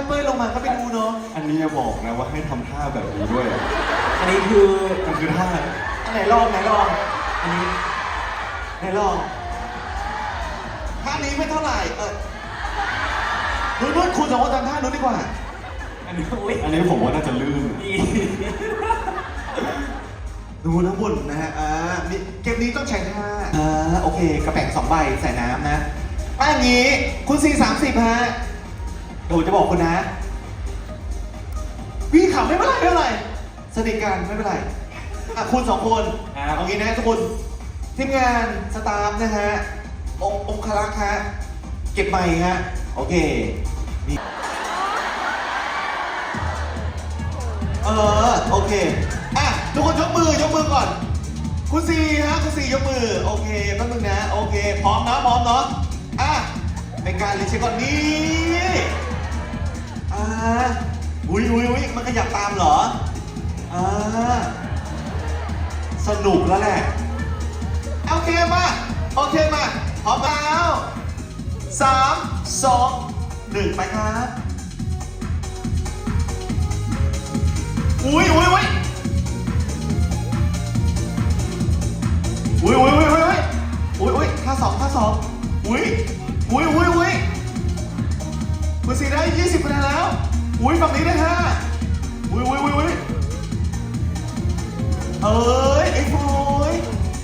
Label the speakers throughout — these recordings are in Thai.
Speaker 1: เป้ยลงมาก็ไปดูเนาะ
Speaker 2: อันนี้อย่าบอกนะว่าให้ทำท่าแบบนี้ด้วยอะ
Speaker 1: อันนี้คือ
Speaker 2: มันคือท่า
Speaker 1: อันไหนลองไหนลองอันนี้ไหนลองท่านี้ไม่เท่าไหร่นู้นคุณสองคนทำท่านู้นดีกว่า
Speaker 3: อันนี้อุ้ย
Speaker 2: อันนี้ผมว่าน่าจะลื่น
Speaker 3: ดี
Speaker 1: ดูทั้งหมดนะฮะนี่เกมนี้ต้องใช้ท่าโอเค กระแป๋ง2 ใบใส่น้ำนะป้าอย่างนี้ คุณ430ฮะเดี๋ยวผมจะบอกคุณนะพี่ขำไม่เป็นไรไม่เป็นไรสนิทกันไม่เป็นไรคุณ2 คนเอางี้นะทุกคนทีมงานสตาฟนะฮะองคลักษ์ฮะเก็บใบฮะโอเคนี่โอเคทุกคนยกมือก่อนคุณซีฮะคุณซียกมือโอเคแป๊บนึงนะโอเคพร้อมเนาะเป็นการรีเช็คก่อนนี่อุ้ยมันขยับตามเหรอสนุกแล้วแหละโอเคมาพร้อมแล้ว3 2 1ไปครับอุ้ยท่าสองอุ้ยคุณสีได้20 คะแนนแล้วอุ้ยฝั่งนี้ได้5อุ้ยไอ้โฟย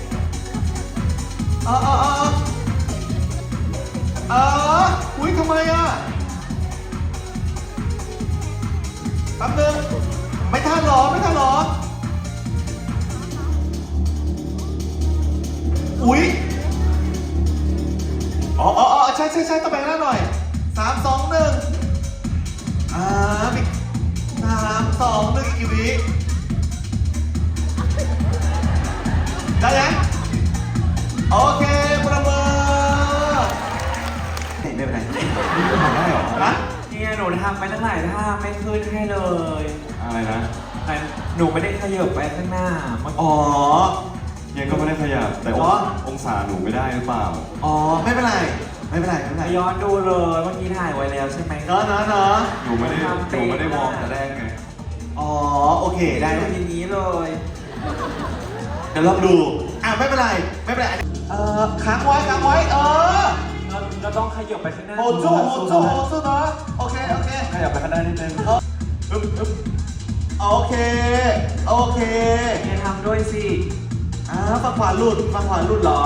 Speaker 1: อุ้ยทำไมแป๊บนึงไม่ทันหรออุ้ยใช่ตะแบงหน้าหน่อย3 2 1มี3 2 1อีกกี่วิได้ยังโอเคประเมินไม่เป็นไร
Speaker 2: นี่ทำได้เหรอ
Speaker 3: เนี่ยหนูทำไปตั้งหลายท่าไม่ขึ้นให้เลย
Speaker 2: อะไรนะ
Speaker 3: แต่หนูไม่ได้ขยับไปข้างหน้ามัน
Speaker 2: ยังก็ไม่ได้ขยับแต่องศาหนูไม่ได้หรือเปล่า
Speaker 1: ไม่เป็นไร
Speaker 3: ย้อนดูเลยเมื่อกี้ถ่ายไว้แล้วใช่ไหม
Speaker 1: เนาะ
Speaker 2: หนูไม่ได้มองแต่แรกไง
Speaker 1: โอเคได้
Speaker 3: ดูทีนี้เลย
Speaker 1: เดี๋ยวลองดูไม่เป็นไรค้างไว้
Speaker 3: เราต้องขยับไปข้างหน้า
Speaker 1: โหสู้เนาะโอเค
Speaker 2: ขยับไปข้างหน้านิดนึง
Speaker 1: โอเค
Speaker 3: เนี่ยทำด้วยสิ
Speaker 1: ฝั่งขวาหลุดเหรอ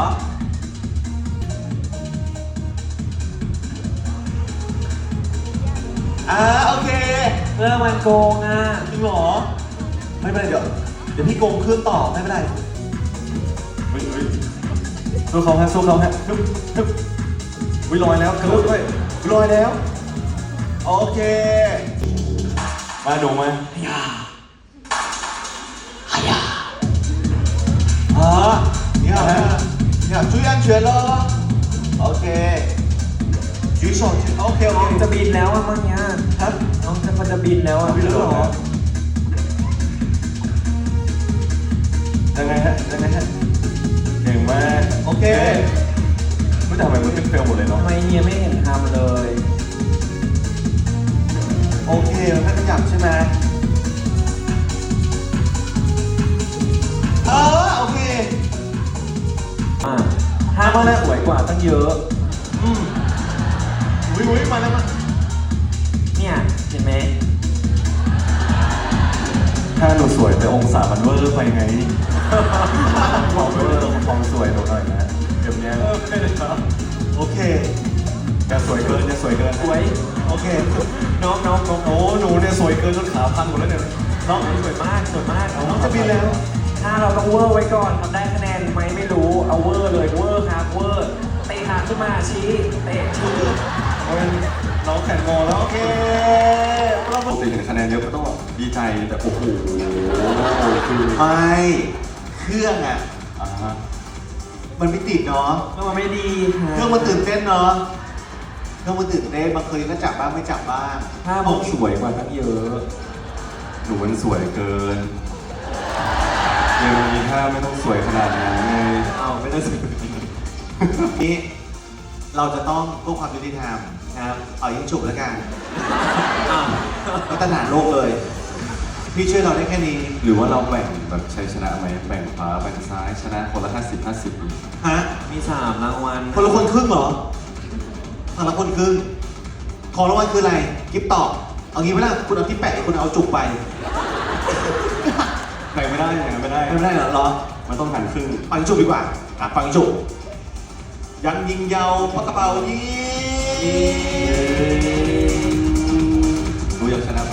Speaker 1: โอเค
Speaker 3: เพื่อมันโกง
Speaker 1: จริงเหรอไม่เป็นไรเดี๋ยวพี่โกงเครื่องต่อไม่เป็นไร
Speaker 2: สู้เขาฮะวิลอยแล้วกระโดดด้วย
Speaker 1: ลอยแล้วโอเค
Speaker 2: มาดูมา
Speaker 1: เนี่ย注意安全了โอเค举手โอเค
Speaker 3: น้องจะบินแล้วเมื่อกี้น้องจะบินแล้ว
Speaker 1: บินแล้วเหรอ
Speaker 2: ยังไงฮะเก่งมาก
Speaker 1: โอเค
Speaker 2: ไม่ทำไมมันเป็นเฟลหมดเลยเนาะ
Speaker 3: ทำไมเฮียไม่เห็นทำเลย
Speaker 1: โอเคมันไม่ขยับใช่ไหมโอเค
Speaker 3: ท่ามันสวยกว่าตั้งเยอะ
Speaker 1: อุ้ยมาแล้ว
Speaker 3: เนี่ยเห็นไหม
Speaker 2: ถ้าหนูสวยแต่องศามันเวอร์ไปไงบอกเวอร์ความสวยหนูหน่อยนะเดี๋ยวนี้
Speaker 1: โอเค
Speaker 2: จะสวยเกิน
Speaker 3: สวย
Speaker 1: โอเค
Speaker 2: น้องโอ้หนูเนี่ยสวยเกินจนขาพังหมดแล้วเนี่ย
Speaker 3: น้องสวยมาก
Speaker 1: น้องจะบินแล้ว
Speaker 3: ถ้าเราต้องเวอร์ไว้ก่อนทำได้คะแนนไหมไม่รู้เอาเวอร์เลยเวอร์ครับเวอร์เตะขาขึ้นมาชี้เตะชี้
Speaker 2: น้องแข่งงอแล้วโอเคปกติเห็นคะแนนเยอะก็ต้องดีใจแต่โอ้โหคือ
Speaker 1: ไม่เครื่องมันไม่ติดเนาะ
Speaker 3: มันไม่ดี
Speaker 1: เครื่องมันตื่นเต้นเนาะเครื่องมันตื่นเต้นบางคืนก็จับบ้างไม่จับบ้าง
Speaker 3: ถ้าผมสวยกว่าตั้งเยอะ
Speaker 2: หนูมันสวยเกินยังมีท่าไม่ต้องสวยขนาดนั้นไง
Speaker 1: ไม่ต้องสวยนี้เราจะต้องเพื่อความยุติธรรมนะครับเอายิงฉุบแล้วกัน
Speaker 3: อ่ะ
Speaker 1: มาตรฐานโลกเลย พี่ช่วยเราได้แค่นี้
Speaker 2: หรือว่าเราแบ่งแบบชัยชนะไหมแบ่งขวาแบ่งซ้ายชนะคนละ50-50
Speaker 1: ฮะ
Speaker 3: มี3รางวัล
Speaker 1: คนละคนครึ่งเหรอคนละคนครึ่ง ของรางวัลคืออะไร กิฟต์ตอบเอางี้ไหมล่ะ คุณเอาที่แปะคุณเอาจุกไป
Speaker 2: แบ่งไม่ได้แบ่งไม่ได้
Speaker 1: ไม่ได้เหรอ
Speaker 2: มันต้องหันครึ่ง
Speaker 1: ปังจุกดีกว่าปังจุกยังยิงยาวปากกระเป๋ายิง
Speaker 2: รู้ยังชนะแพ้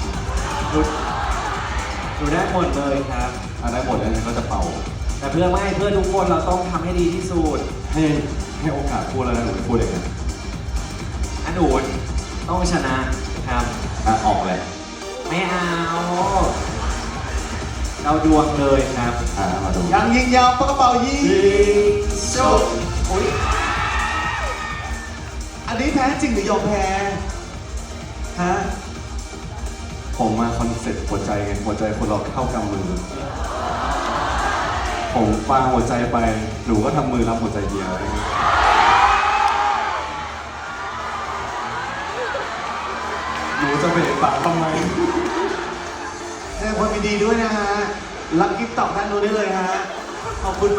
Speaker 3: ดูได้หมดเลยครับ
Speaker 2: ได้หมดแล้วก็จะเป่า
Speaker 3: แต่เพื่อทุกคนเราต้องทำให้ดีที่สุด
Speaker 2: ให้โอกาสพูดแล้วนะหนูจะพูดอย่างไง
Speaker 3: อันอูนต้องชนะครับ
Speaker 2: ออกเลย
Speaker 3: ไม่เอา เราดวงเลยครับ
Speaker 2: มาดู
Speaker 1: ยังยิงยาวปากกระเป๋ายิงจุกอุ๊ยอันนี้แพ้จริงหรือยอมแพ้ฮะ
Speaker 2: ผมมาคอนเซ็ปต์หัวใจไงหัวใจคนเราเท่ากำมือ ผมปาหัวใจไปหนูก็ทำมือรับหัวใจเดียวหนูจะเบรกปากทำไม
Speaker 1: แสดงความยินดีด้วยนะฮะ รับกิฟต์ตอบด้านนู้นได้เลยฮะ ขอบคุณ